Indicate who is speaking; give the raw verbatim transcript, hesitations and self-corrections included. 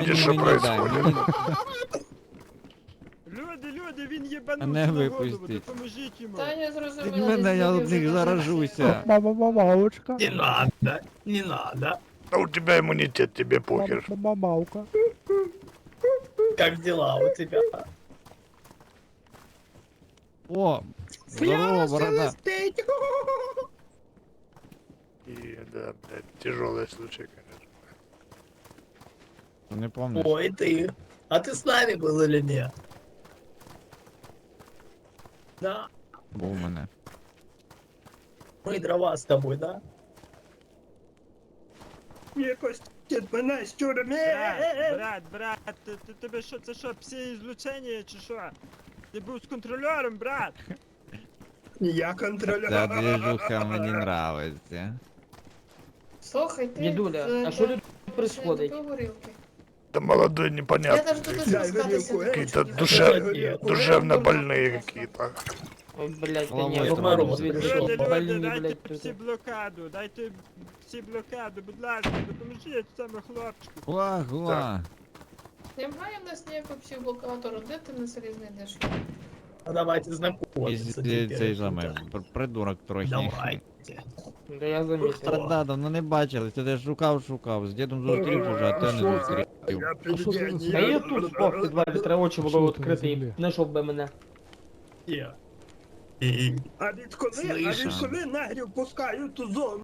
Speaker 1: видишь, что
Speaker 2: мені дай,
Speaker 1: происходит.
Speaker 2: мені...
Speaker 3: Люди, люди, він
Speaker 2: А
Speaker 3: єбанувся
Speaker 2: не
Speaker 3: на голову,
Speaker 2: випустіть.
Speaker 3: допоможіть йому.
Speaker 4: Та я
Speaker 2: Від
Speaker 4: зрозуміла,
Speaker 2: мене я
Speaker 4: десь
Speaker 2: од них
Speaker 4: вже
Speaker 2: заражуся.
Speaker 5: Мама, мамаучка.
Speaker 6: Не надо, не надо.
Speaker 1: Да у тебя иммунитет, тебе похер.
Speaker 5: Мама, мамаука.
Speaker 6: Как дела у тебя?
Speaker 2: О, здорово, борода.
Speaker 1: И да, блядь, тяжелый случай, конечно.
Speaker 2: Не помниш?
Speaker 6: Ой, ты. А ты с нами был или нет? Да,
Speaker 2: Був у мене.
Speaker 6: мы дрова с тобой, да?
Speaker 3: Якось дід мене з тюрми. Брат, брат, брат, ти, ти, тебе що, це що, псі злучення чи що? Ти був з контролером, брат. Я контролер.
Speaker 2: Ця движуха мені нравиться.
Speaker 4: Слухай, ти...
Speaker 7: Дідуля,
Speaker 4: е,
Speaker 7: а що
Speaker 4: та-
Speaker 7: тут происходить?
Speaker 4: ще не пив горілки.
Speaker 1: Да молодой
Speaker 4: Я
Speaker 1: непонятно.
Speaker 4: навіть тут розпускатися не
Speaker 1: Какие-то
Speaker 4: хочу.
Speaker 1: душе... душевно больные какие-то.
Speaker 7: Ой, блядь, да
Speaker 2: Головой
Speaker 7: не,
Speaker 2: там
Speaker 7: Ромаров,
Speaker 2: мороз.
Speaker 7: видишь,
Speaker 3: Люди,
Speaker 7: что,
Speaker 3: люди,
Speaker 7: больные,
Speaker 3: дайте
Speaker 7: блядь,
Speaker 3: всі
Speaker 7: тут.
Speaker 3: блокаду, дайте всі блокаду, будь ласка, допоможіть цьому хлопчику.
Speaker 2: Гуа, гуа.
Speaker 4: Немає в нас ніякого психблокатору, де ти на селі знайдеш?
Speaker 6: А давайте знакомиться
Speaker 2: І цей
Speaker 6: теперь.
Speaker 2: самий пр- придурок трохи.
Speaker 6: Давайте.
Speaker 7: Да я заметил.
Speaker 2: Страда, давно не бачились, ти де шукав, шукав. З дідом зустрів уже, а ти не зустрів.
Speaker 7: А що це за- Та я тут спав в підвалі, треба очі було відкрити і знайшов би мене.
Speaker 6: Где? И-
Speaker 3: А відколи, а
Speaker 6: Слышно.
Speaker 3: відколи негрів пускають у зону?